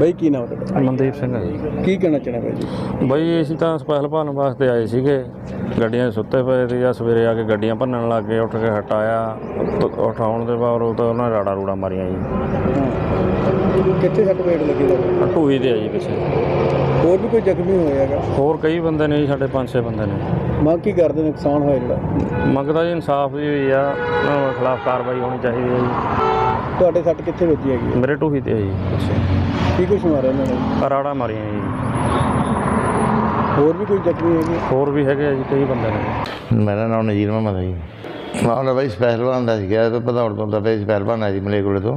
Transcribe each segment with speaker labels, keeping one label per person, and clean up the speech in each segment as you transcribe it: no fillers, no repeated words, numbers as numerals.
Speaker 1: ਬਾਈ ਕੀ ਨਾਮ ਤੁਹਾਡਾ?
Speaker 2: ਮਨਦੀਪ ਸਿੰਘ ਹੈ ਜੀ।
Speaker 1: ਕੀ ਕਹਿਣਾ ਚਾਹੁੰਦੇ ਬਾਈ ਜੀ?
Speaker 2: ਬਾਈ ਅਸੀਂ ਤਾਂ ਸਪੈਸ਼ਲ ਭਰਨ ਵਾਸਤੇ ਆਏ ਸੀਗੇ, ਗੱਡੀਆਂ 'ਚ ਸੁੱਤੇ ਪਏ ਤੇ ਜਾਂ ਸਵੇਰੇ ਆ ਕੇ ਗੱਡੀਆਂ ਭੰਨਣ ਲੱਗ ਗਏ। ਉੱਠ ਕੇ ਹਟਾਇਆ, ਉਠਾਉਣ ਦੇ ਬਾਅਦ ਉਹ ਤਾਂ ਉਹਨਾਂ ਨੇ ਰਾੜਾ ਰੂੜਾ ਮਾਰੀਆਂ ਜੀ।
Speaker 1: ਕਿੱਥੇ ਸੱਟ ਫੇਟ ਲੱਗੀ ਦਾ?
Speaker 2: ਢੂਹੀ ਤੇ ਆ ਜੀ ਪਿੱਛੇ।
Speaker 1: ਹੋਰ ਵੀ ਕੋਈ ਜ਼ਖਮੀ ਹੋਇਆ ਹੈਗਾ?
Speaker 2: ਹੋਰ ਕਈ ਬੰਦੇ ਨੇ ਜੀ, ਸਾਡੇ 5-6 ਬੰਦੇ ਨੇ।
Speaker 1: ਮੰਗ ਕੀ ਕਰਦੇ? ਨੁਕਸਾਨ ਹੋਇਆ ਜਿਹੜਾ
Speaker 2: ਮੰਗਦਾ ਜੀ ਇਨਸਾਫ ਦੀ ਹੋਈ ਆ, ਉਹਨਾਂ ਦੇ ਖਿਲਾਫ ਕਾਰਵਾਈ ਹੋਣੀ ਚਾਹੀਦੀ ਹੈ ਜੀ।
Speaker 1: ਤੁਹਾਡੇ ਸੱਟ ਕਿੱਥੇ ਵੱਜੀ ਹੈਗੀ?
Speaker 2: ਮੇਰੇ ਢੂਹੀ ਤੇ ਆ ਜੀ ਪਿੱਛੇ।
Speaker 1: ਕੀ ਕੁਛ ਮਾਰਿਆ ਉਹਨਾਂ ਨੇ?
Speaker 2: ਰਾੜਾ ਮਾਰੀਆਂ ਜੀ।
Speaker 1: ਹੋਰ ਵੀ ਕੋਈ ਜ਼ਖਮੀ ਹੈਗੇ?
Speaker 2: ਹੋਰ ਵੀ ਹੈਗੇ ਆ ਜੀ, ਕਈ ਬੰਦੇ ਨੇ।
Speaker 3: ਮੇਰਾ ਨਾਮ ਨਜ਼ੀਰ ਮੁਹੰਮਦ ਹੈ ਜੀ। ਮਾਮਲਾ ਬਾਈ ਸਪੈਸ਼ਲ ਬਣਦਾ ਸੀਗਾ, ਭਦੌੜ ਤੋਂ ਤਾਂ ਸਪੈਸ਼ਲ ਬਣਨਾ ਜੀ ਮਲੇਰਕੋਟਲੇ ਤੋਂ।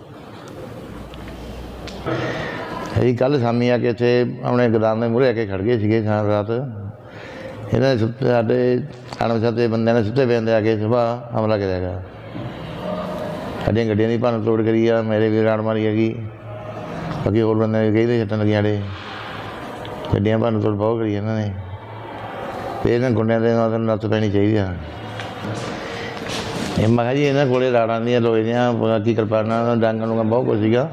Speaker 3: ਅਸੀਂ ਕੱਲ੍ਹ ਸ਼ਾਮੀ ਆ ਕੇ ਇੱਥੇ ਆਪਣੇ ਗੋਦਾਮ ਦੇ ਮੂਹਰੇ ਆ ਕੇ ਖੜ੍ਹ ਗਏ ਸੀਗੇ ਸਾਰੀ ਰਾਤ। ਇਹਨਾਂ ਨੇ ਸਾਡੇ ਅਣਪਛਾਤੇ ਬੰਦਿਆਂ ਨੇ ਸੁੱਤੇ ਪਏ ਆ ਕੇ ਸੁਬਾਹ ਹਮਲਾ ਕਰਿਆ ਗਾ। ਸਾਡੀਆਂ ਗੱਡੀਆਂ ਦੀ ਭੰਨ ਤੋੜ ਕਰੀ ਆ, ਮੇਰੇ ਵੀ ਰਾੜ ਮਾਰੀ ਹੈਗੀ, ਬਾਕੀ ਹੋਰ ਬੰਦੇ ਕਈ ਦੇ ਛੱਟਾਂ ਲੱਗੀਆਂ ਸਾਡੇ। ਗੱਡੀਆਂ ਭੰਨ ਤੋੜ ਬਹੁਤ ਕਰੀ ਇਹਨਾਂ ਨੇ, ਅਤੇ ਇਹਨਾਂ ਗੁੰਡਿਆਂ ਦੇ ਨਾਲ ਨੱਥ ਪੈਣੀ ਚਾਹੀਦੀ ਆ। ਇਹ ਮੈਂ ਕਿਹਾ ਜੀ ਇਹਨਾਂ ਕੋਲ ਰਾੜਾਂ ਦੀਆਂ, ਲੋਹੇ ਦੀਆਂ, ਬਾਕੀ ਕਿਰਪਾਨਾਂ, ਡਾਂਗਾਂ ਡੂੰਗਾਂ ਬਹੁਤ ਕੁਛ ਸੀਗਾ।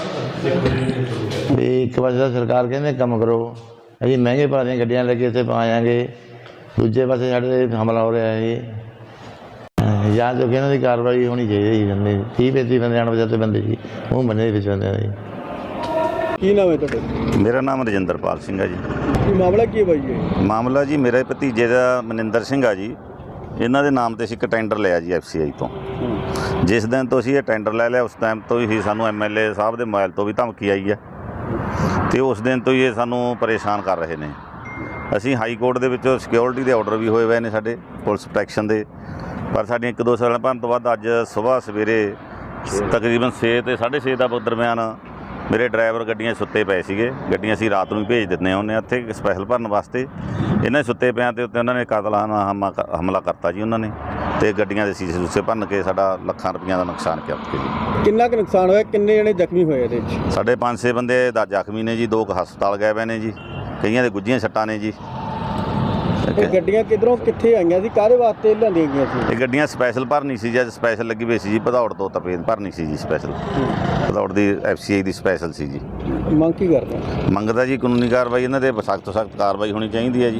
Speaker 3: ਅਤੇ ਇੱਕ ਪਾਸੇ ਤਾਂ ਸਰਕਾਰ ਕਹਿੰਦੇ ਕੰਮ ਕਰੋ, ਅਸੀਂ ਮਹਿੰਗੇ ਭਾਅ ਦੀਆਂ ਗੱਡੀਆਂ ਲੈ ਕੇ ਇੱਥੇ ਪਾਵਾਂਗੇ, ਦੂਜੇ ਪਾਸੇ ਸਾਡੇ 'ਤੇ ਹਮਲਾ ਹੋ ਰਿਹਾ ਇਹ। ਜਾਂ ਜੋ ਕਿ ਇਹਨਾਂ ਦੀ ਕਾਰਵਾਈ ਹੋਣੀ ਚਾਹੀਦੀ ਜੀ। ਬੰਦੇ 30-35 ਬੰਦੇ ਅਣਪਛਾਤੇ ਬੰਦੇ ਸੀ, ਉਹ ਬੰਦੇ ਦੇ ਵਿੱਚ ਬੰਦੇ ਨੇ।
Speaker 1: ਕੀ ਨਾਮ ਹੈ ਤੁਹਾਡਾ?
Speaker 4: ਮੇਰਾ ਨਾਮ ਰਜਿੰਦਰਪਾਲ ਸਿੰਘ ਹੈ ਜੀ।
Speaker 1: ਕੀ ਮਾਮਲਾ ਕੀ ਹੈ ਬਾਈ ਜੀ?
Speaker 4: ਮਾਮਲਾ ਜੀ ਮੇਰੇ ਭਤੀਜੇ ਦਾ ਮਨਿੰਦਰ ਸਿੰਘ ਆ ਜੀ। ਇਹਨਾਂ ਦੇ ਨਾਮ 'ਤੇ ਅਸੀਂ ਇੱਕ ਟੈਂਡਰ ਲਿਆ ਜੀ FCI ਤੋਂ। ਜਿਸ ਦਿਨ ਤੋਂ ਅਸੀਂ ਇਹ ਟੈਂਡਰ ਲੈ ਲਿਆ, ਉਸ ਟਾਈਮ ਤੋਂ ਹੀ ਸਾਨੂੰ MLA ਸਾਹਿਬ ਦੇ ਮੋਬਾਈਲ ਤੋਂ ਵੀ ਧਮਕੀ ਆਈ ਹੈ, ਅਤੇ ਉਸ ਦਿਨ ਤੋਂ ਹੀ ਇਹ ਸਾਨੂੰ ਪਰੇਸ਼ਾਨ ਕਰ ਰਹੇ ਨੇ। ਅਸੀਂ ਹਾਈ ਕੋਰਟ ਦੇ ਵਿੱਚੋਂ ਸਿਕਿਉਰਿਟੀ ਦੇ ਆਰਡਰ ਵੀ ਹੋਏ ਹੋਏ ਨੇ ਸਾਡੇ, ਪੁਲਿਸ ਪ੍ਰੋਟੈਕਸ਼ਨ ਦੇ, ਪਰ ਸਾਡੀਆਂ 1-2 ਸਾਲਾਂ ਭਰਨ ਤੋਂ ਬਾਅਦ ਅੱਜ ਸਵੇਰੇ ਤਕਰੀਬਨ 6 ਤੇ 6:30 ਦਾ ਦਰਮਿਆਨ ਮੇਰੇ ਡਰਾਈਵਰ ਗੱਡੀਆਂ ਸੁੱਤੇ ਪਏ ਸੀਗੇ। ਗੱਡੀਆਂ ਅਸੀਂ ਰਾਤ ਨੂੰ ਹੀ ਭੇਜ ਦਿੰਦੇ ਹੁੰਦੇ ਉੱਥੇ ਸਪੈਸ਼ਲ ਭਰਨ ਵਾਸਤੇ। ਇਹਨਾਂ ਸੁੱਤੇ ਪਿਆਂ ਦੇ ਉੱਤੇ ਉਹਨਾਂ ਨੇ ਕਾਤਲਾਨਾ ਹਮਲਾ ਕਰਤਾ ਜੀ ਉਹਨਾਂ ਨੇ, ਅਤੇ ਗੱਡੀਆਂ ਦੇ ਸੀਸੇ ਸੂਸੇ ਭੰਨ ਕੇ ਸਾਡਾ ਲੱਖਾਂ ਰੁਪਈਆਂ ਦਾ ਨੁਕਸਾਨ ਕਰਕੇ ਜੀ।
Speaker 1: ਕਿੰਨਾ ਕੁ ਨੁਕਸਾਨ ਹੋਇਆ? ਕਿੰਨੇ ਜਣੇ ਜ਼ਖਮੀ ਹੋਏ ਇਹਦੇ ਵਿੱਚ?
Speaker 4: ਸਾਡੇ 5-6 ਬੰਦੇ ਦਾ ਜ਼ਖਮੀ ਨੇ ਜੀ, 2 ਹਸਪਤਾਲ ਗਏ ਪਏ ਨੇ ਜੀ, ਕਈਆਂ ਦੇ ਗੁੱਝੀਆਂ ਸੱਟਾਂ ਨੇ ਜੀ।
Speaker 1: ਇਹ ਗੱਡੀਆਂ ਕਿੱਧਰੋਂ ਕਿੱਥੇ ਆਈਆਂ ਸੀ? ਕਾਹਦੇ ਵਾਸਤੇ ਲਿਆਂਦੀਆਂ ਗਈਆਂ ਸੀ?
Speaker 4: ਇਹ ਗੱਡੀਆਂ ਸਪੈਸ਼ਲ ਭਰਨੀ ਸੀ ਜੀ, ਅੱਜ ਸਪੈਸ਼ਲ ਲੱਗੀ ਹੋਈ ਸੀ ਜੀ। ਭਦੌੜ ਤੋਂ ਤਪੇਦ ਭਰਨੀ ਸੀ ਜੀ ਸਪੈਸ਼ਲ, ਭਦੌੜ ਦੀ FCI ਦੀ ਸਪੈਸ਼ਲ ਸੀ ਜੀ।
Speaker 1: ਮੰਗ ਕੀ ਕਰਦੇ?
Speaker 4: ਮੰਗਦਾ ਜੀ ਕਾਨੂੰਨੀ ਕਾਰਵਾਈ, ਇਹਨਾਂ 'ਤੇ ਸਖਤ ਤੋਂ ਸਖਤ ਕਾਰਵਾਈ ਹੋਣੀ ਚਾਹੀਦੀ ਹੈ ਜੀ।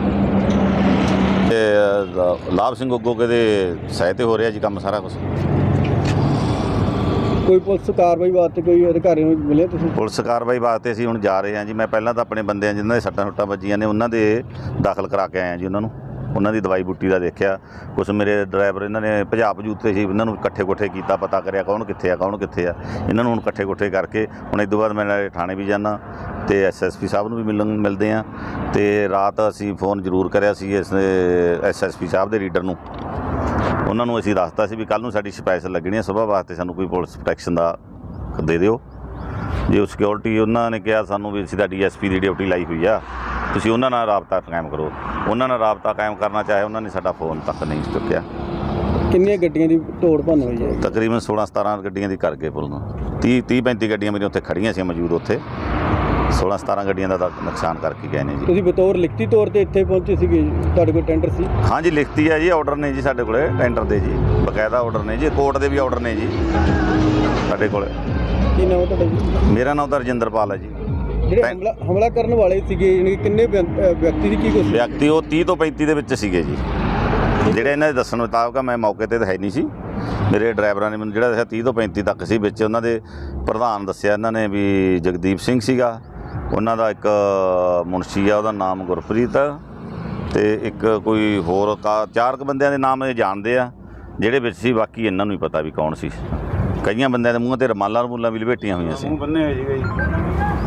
Speaker 4: ਅਤੇ ਲਾਭ ਸਿੰਘ ਗੋਗੇ ਦੇ ਸਹਾਇਤੇ ਹੋ ਰਿਹਾ ਜੀ ਕੰਮ ਸਾਰਾ ਕੁਛ।
Speaker 1: ਕੋਈ ਪੁਲਿਸ ਕਾਰਵਾਈ ਵਾਸਤੇ ਕੋਈ ਅਧਿਕਾਰੀ ਨੂੰ ਮਿਲੇ ਤੁਸੀਂ?
Speaker 4: ਪੁਲਿਸ ਕਾਰਵਾਈ ਵਾਸਤੇ ਅਸੀਂ ਹੁਣ ਜਾ ਰਹੇ ਹਾਂ ਜੀ। ਮੈਂ ਪਹਿਲਾਂ ਤਾਂ ਆਪਣੇ ਬੰਦਿਆਂ ਜਿਨ੍ਹਾਂ ਦੇ ਸੱਟਾਂ ਸੁੱਟਾਂ ਵੱਜੀਆਂ ਨੇ ਉਹਨਾਂ ਦੇ ਦਾਖਲ ਕਰਾ ਕੇ ਆਇਆ ਜੀ। ਉਹਨਾਂ ਦੀ ਦਵਾਈ ਬੂਟੀ ਦਾ ਦੇਖਿਆ। ਕੁਛ ਮੇਰੇ ਡਰਾਈਵਰ ਇਹਨਾਂ ਨੇ ਭਜਾ ਭਜੂਤੇ ਸੀ, ਇਹਨਾਂ ਨੂੰ ਇਕੱਠੇ ਕੀਤਾ, ਪਤਾ ਕਰਿਆ ਕੌਣ ਕਿੱਥੇ ਆ। ਇਹਨਾਂ ਨੂੰ ਹੁਣ ਇਕੱਠੇ ਕਰਕੇ ਹੁਣ ਇਸ ਤੋਂ ਬਾਅਦ ਮੈਂ ਥਾਣੇ ਵੀ ਜਾਂਦਾ ਅਤੇ SSP ਸਾਹਿਬ ਨੂੰ ਵੀ ਮਿਲਦੇ ਹਾਂ। ਅਤੇ ਰਾਤ ਅਸੀਂ ਫੋਨ ਜ਼ਰੂਰ ਕਰਿਆ ਸੀ ਇਸ SSP ਸਾਹਿਬ ਦੇ ਰੀਡਰ ਨੂੰ। ਉਹਨਾਂ ਨੂੰ ਅਸੀਂ ਦੱਸਤਾ ਸੀ ਵੀ ਕੱਲ੍ਹ ਨੂੰ ਸਾਡੀ ਸਪੈਸ਼ਲ ਲੱਗਣੀ ਹੈ, ਸੁਬਾਹ ਵਾਸਤੇ ਸਾਨੂੰ ਕੋਈ ਪੁਲਿਸ ਪ੍ਰੋਟੈਕਸ਼ਨ ਦਾ ਦੇ ਦਿਓ। ਜੇ ਉਹ ਸਿਕਿਉਰਿਟੀ ਉਹਨਾਂ ਨੇ ਕਿਹਾ ਸਾਨੂੰ ਵੀ ਅਸੀਂ ਤਾਂ DSP ਦੀ ਡਿਊਟੀ ਲਾਈ ਹੋਈ ਆ, ਤੁਸੀਂ ਉਹਨਾਂ ਨਾਲ ਰਾਬਤਾ ਕਾਇਮ ਕਰੋ। ਉਹਨਾਂ ਨਾਲ ਰਾਬਤਾ ਕਾਇਮ ਕਰਨਾ ਚਾਹੇ, ਉਹਨਾਂ ਨੇ ਸਾਡਾ ਫੋਨ ਤੱਕ ਨਹੀਂ ਚੁੱਕਿਆ।
Speaker 1: ਕਿੰਨੀਆਂ ਗੱਡੀਆਂ ਦੀ ਤੋੜ ਭੰਨ ਹੋਈ ਹੈ?
Speaker 4: ਤਕਰੀਬਨ 16-17 ਗੱਡੀਆਂ ਦੀ ਕਰ ਗਏ ਪੁੱਲ ਨੂੰ। 30-35 ਗੱਡੀਆਂ ਮੇਰੀਆਂ ਉੱਥੇ ਖੜ੍ਹੀਆਂ ਸੀ ਮੌਜੂਦ, ਉੱਥੇ 16-17 ਗੱਡੀਆਂ ਦਾ ਨੁਕਸਾਨ ਕਰਕੇ ਗਏ ਨੇ ਜੀ।
Speaker 1: ਤੁਸੀਂ ਬਤੌਰ ਲਿਖਤੀ ਤੌਰ 'ਤੇ ਇੱਥੇ ਪਹੁੰਚੇ ਸੀਗੇ? ਤੁਹਾਡੇ ਕੋਲ ਟੈਂਡਰ ਸੀ?
Speaker 4: ਹਾਂਜੀ ਲਿਖਤੀ ਹੈ ਜੀ, ਆਰਡਰ ਨੇ ਜੀ ਸਾਡੇ ਕੋਲ ਟੈਂਡਰ ਦੇ ਜੀ, ਬਕਾਇਦਾ ਆਰਡਰ ਨੇ ਜੀ, ਕੋਰਟ ਦੇ ਵੀ ਆਰਡਰ ਨੇ ਜੀ ਸਾਡੇ ਕੋਲ।
Speaker 1: ਕੀ ਨਾਮ ਹੈ ਤੁਹਾਡਾ ਜੀ?
Speaker 4: ਮੇਰਾ ਨਾਮ ਤਾਂ ਰਜਿੰਦਰਪਾਲ ਹੈ ਜੀ।
Speaker 1: ਜਿਹੜੇ ਹਮਲਾ ਕਰਨ ਵਾਲੇ ਸੀਗੇ ਯਾਨੀ ਕਿ ਕਿੰਨੇ ਵਿਅਕਤੀ ਦੀ ਕੀ ਕੁਛ?
Speaker 4: ਵਿਅਕਤੀ ਉਹ 30 ਤੋਂ 35 ਦੇ ਵਿੱਚ ਸੀਗੇ ਜੀ, ਜਿਹੜੇ ਇਹਨਾਂ ਦੇ ਦੱਸਣ ਮੁਤਾਬਕ। ਮੈਂ ਮੌਕੇ 'ਤੇ ਤਾਂ ਹੈ ਨਹੀਂ ਸੀ, ਮੇਰੇ ਡਰਾਈਵਰਾਂ ਨੇ ਮੈਨੂੰ ਜਿਹੜਾ ਦੱਸਿਆ 30 ਤੋਂ 35 ਤੱਕ ਸੀ। ਵਿੱਚ ਉਹਨਾਂ ਦੇ ਪ੍ਰਧਾਨ ਦੱਸਿਆ ਇਹਨਾਂ ਨੇ ਵੀ ਜਗਦੀਪ ਸਿੰਘ ਸੀਗਾ, ਉਹਨਾਂ ਦਾ ਇੱਕ ਮੁਨਸ਼ੀ ਆ ਉਹਦਾ ਨਾਮ ਗੁਰਪ੍ਰੀਤ, ਅਤੇ ਇੱਕ ਕੋਈ ਹੋਰ 4 ਬੰਦਿਆਂ ਦੇ ਨਾਮ ਇਹ ਜਾਣਦੇ ਆ ਜਿਹੜੇ ਵਿੱਚ ਸੀ। ਬਾਕੀ ਇਹਨਾਂ ਨੂੰ ਹੀ ਪਤਾ ਵੀ ਕੌਣ ਸੀ। ਕਈਆਂ ਬੰਦਿਆਂ ਦੇ ਮੂੰਹਾਂ 'ਤੇ ਰੁਮਾਲਾਂ ਵੀ ਲਪੇਟੀਆਂ ਹੋਈਆਂ ਸੀ।